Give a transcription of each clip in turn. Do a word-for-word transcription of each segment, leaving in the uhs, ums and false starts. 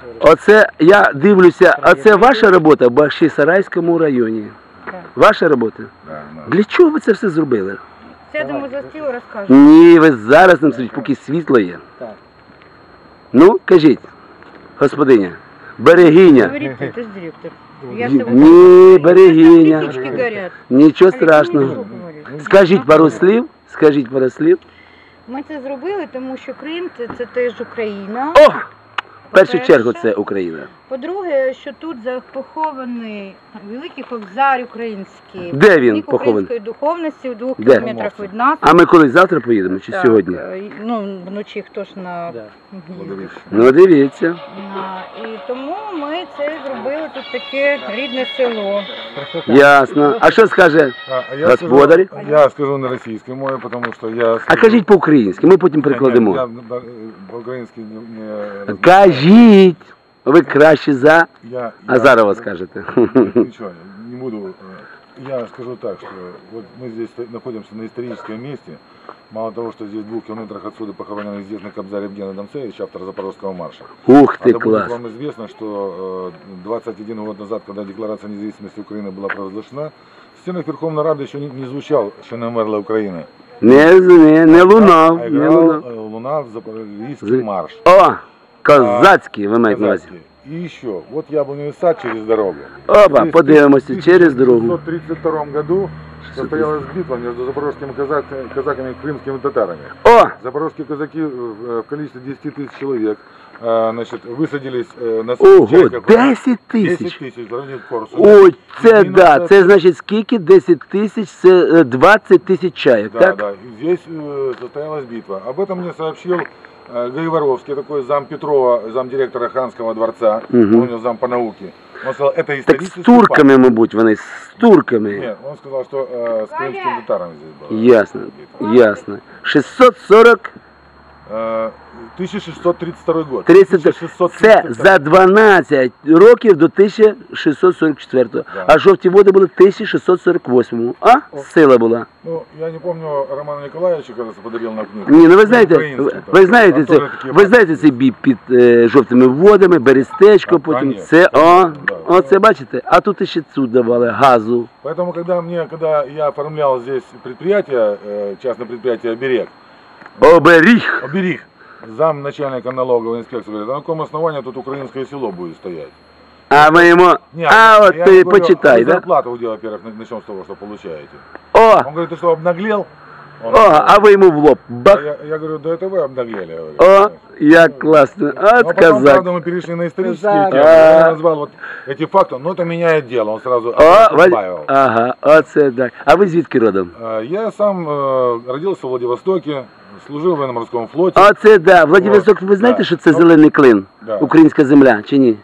Оце, я дивлюся, а це ваша робота в Бахчисарайському районі? Так. Ваша робота? Да, да. Для чого ви це все зробили? Сядемо за стіл, розкажемо. Ні, ви зараз нам скажіть, поки світло є. Так. Ну, кажіть, господиня, берегиня. Говорите, ты же директор. Я Ні, с тобой- берегиня. Листочки горят. Нічого Олег, ну, страшного. нічого говорити. Скажіть пару слів, скажіть пару слів. Ми це зробили, тому що Крим це, це теж Україна. О! В першу По-перше. чергу це Україна. По-друге, що тут за- похований великий кобзар український. Де він Вік похований? української духовності в двох Де? кілометрах від нас. А ми колись завтра поїдемо чи Так, сьогодні? е, Ну, вночі хто ж на Да. їздить. Ну, дивіться. А, І тому ми це зробили тут таке рідне село. Ясно. А що скаже? А, а я Господарі? скажу, я скажу на российской мове, потому что я... А кажіть по-українськи, ми потім Нет, нет, перекладемо. я э, по-украински не... не Кажіть! Ви краще за я, Азарова я, скажете. Ничего, не буду. э, Я скажу так, что вот мы здесь находимся на историческом месте. Мало того, что здесь в двух километрах отсюда похоронен известный кобзарь Евгений Донцевич, автор Запорожского марша. Ух А ти, да будет клас. вам известно, что э, двадцать один год назад, когда Декларация независимости Украины была провозглашена, в стенах Верховной Рады еще не, не звучал «Ще не мерла Украина». Не, не, не лунав, А не играл лунав. э, Луна в Запорожский Зы- марш. О, козацький ви маєте на увазі. Казацкий. И еще, вот яблоневый сад через дорогу. Опа, В подивимося, через дорогу. В тысяча девятьсот тридцать втором году состоялась битва между запорожскими казак, казаками и крымскими татарами. О, Запорожские казаки в в количестве десяти тысяч человек э, значит, высадились э, на ого, Чайках. десять десять тисяч. тысяч в районе Корсуна. Ой, це І на да, це- це значить скільки? десять тисяч, це е, двадцять тисяч чайок, Да, так? да. И здесь э, состоялась битва. Об этом мне сообщил э, Гайворовский, такой зам Петрова, замдиректора Ханского дворца, Мгм. он у него зам по науке. Он сказал, это Так з исторический турками, мабуть, вони, з турками. факт. Нет, он сказал, что э, с крымским татарами здесь было. Ясно, ясно. шістсот сорок, Э, тысяча шестьсот тридцать второй год. тридцять, тысяча шестьсот це тридцать второй. за дванадцять років до тисяча шістсот сорок четвертого. Да. А жовті води були в тисяча шістсот сорок восьмому. А? Сила була. Ну, я не помню, Романа Николаевича, кажется, подарил на книгу. Ні, ну ви знаєте, Український, ви, так. ви знаєте А це, теж такі ви знаєте бачите. цей бій під е, жовтими водами, Берестечко, А, потім конечно, це, о, конечно, да. оце бачите, а тут ще цуд давали, газу. Поэтому, когда мне, когда я оформлял здесь предприятие, э, частное предприятие «Оберег», Оберіг. «Оберег», зам начальника налоговой инспекции говорит, а на каком основании тут украинское село будет стоять? А ми йому, Не, а от я ти ему говорю, почитай, а вы да? зарплату, во-первых, начнем с того, что получаете. О, Он говорит, ты что, обнаглел? Он о, говорит, а ви йому в лоб, а бах. я, я говорю, да это вы обнаглели. Я говорю. О, як класно, Ну, а от потом, казак. правда, мы перешли на исторические Казак. темы. А. Я назвал вот эти факты, но это меняет дело. Он сразу О, Валь... добавил. ага, оце так. А ви звідки родом? А, Я сам э, родился в Владивостоке, служил в военно-морском флоте. Оце да, Владивосток, ви знаєте, Да. що це Ну, зелений клин? да. Українська земля, чи ні?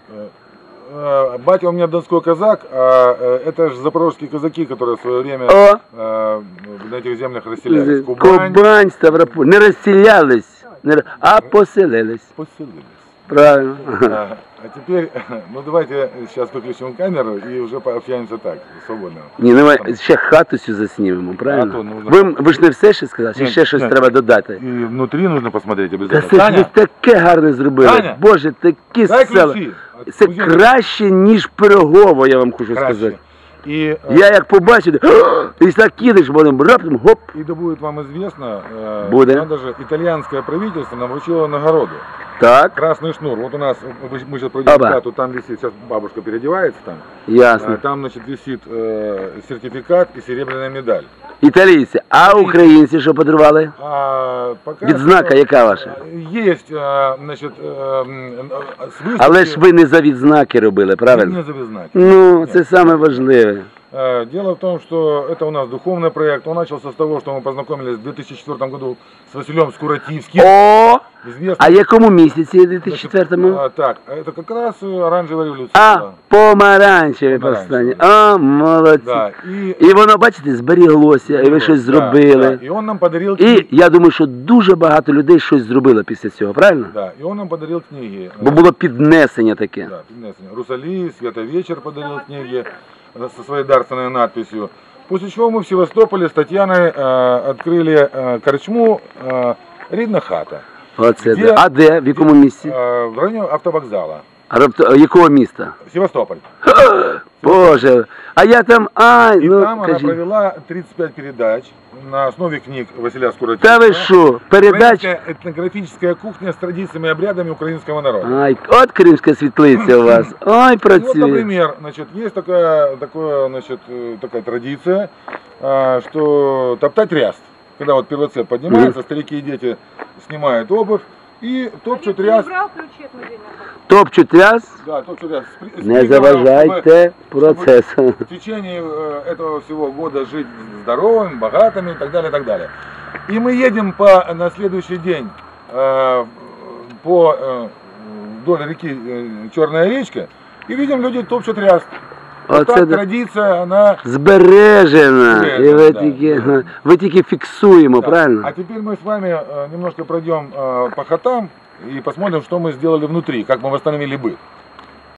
Э, Батя у меня донской казак, а э, это же запорожские казаки, которые в свое время О, э, на этих землях расселялись. Кубань, Кубань, Ставрополь. Не розселялись, не... ро- а поселились. поселились. Правильно. А, а теперь, ну давайте сейчас выключим камеру и уже пообщаемся так, свободно. Ні, ну ми ще хату цю заснімемо, А правильно? то нужно- Ви, ви ж не все ще сказали, чи Ні, ще щось ні. треба додати? И внутри нужно посмотреть Та обязательно. це ж ви таке гарне зробили. Таня, Боже, такі дай села. ключи. Це Кузина, краще, ніж пирогово, я вам хочу краще. сказати. И, э, Я як побачив, і так кидаєш, потім раптом, гоп. и да будет вам известно, э, Буде. надо же, итальянское правительство нам вручило нагороду. Так, Красный шнур. Вот у нас, мы мы сейчас пройдем Оба. хату, там висит, сейчас бабушка переодевается там. ясно. Э, Там, значит, висит э, сертификат и серебряная медаль. Італійці, а українці що подарували? А, пока Відзнака что, яка ваша? э, Есть, э, значит, э, м, э, с выставки- Але ж ви не за відзнаки робили, правильно? Не завязать. Ну, це саме важливе. Э, Дело в том, что это у нас духовный проект. Он начался с того, что мы познакомились в две тысячи четвёртом году с Василем Скуративским. О! Известным. А якому місяці, у дві тисячі Значит, четвертому? а, Так, это как раз э, оранжевая революция. А, была. помаранчеве Помаранчеве. повстання. А, молодці. Да, и, І воно, бачите, зберіглося, і ви щось да, зробили. да, и он нам подарил І книги. я думаю, що дуже багато людей щось зробило після цього, правильно? Да, и он нам подарил книги. Бо було піднесення таке. Да, піднесення. Русали, Света Вечер подарил книги э, со своей дарственной надписью. После чего мы в Севастополе с Татьяной э, открыли э, корчму э, «Рідна хата». Оце Де- да. А де? В якому місці? Э, в районе автовокзала. А рабто- якого міста? Севастополь. Боже, а я там, ай, И ну, там она кажіть. провела тридцать пять передач на основе книг Василя Скуратова. Та ви що, передач? Украинская этнографическая кухня с традициями и обрядами украинского народа. Ай, от кримська світлиця у вас. Ой, И вот, працює. например, значит, есть такая, такое, значит, э, такая традиция, а, что топтать ряст. Когда вот первоцвет поднимается, старики и дети снимают обувь и топчут ряст. брав ключі від музейного? Топчуть ряс, Да, топчут ряст. С- с не приговором, заважайте процесу. чтобы в течение э, этого всего года жить здоровыми, богатыми и так далее, и так далее. И мы едем по, на следующий день э, по э, вдоль реки э, Черная речка и видим, люди топчут ряст. Вот Оце так да. традиция, она... Збережена. І ви Да, тільки, да. ви тільки фіксуємо, Да. правильно? А теперь мы с вами э, немножко пройдем э, по хатам и посмотрим, что мы сделали внутри, как мы восстановили быт.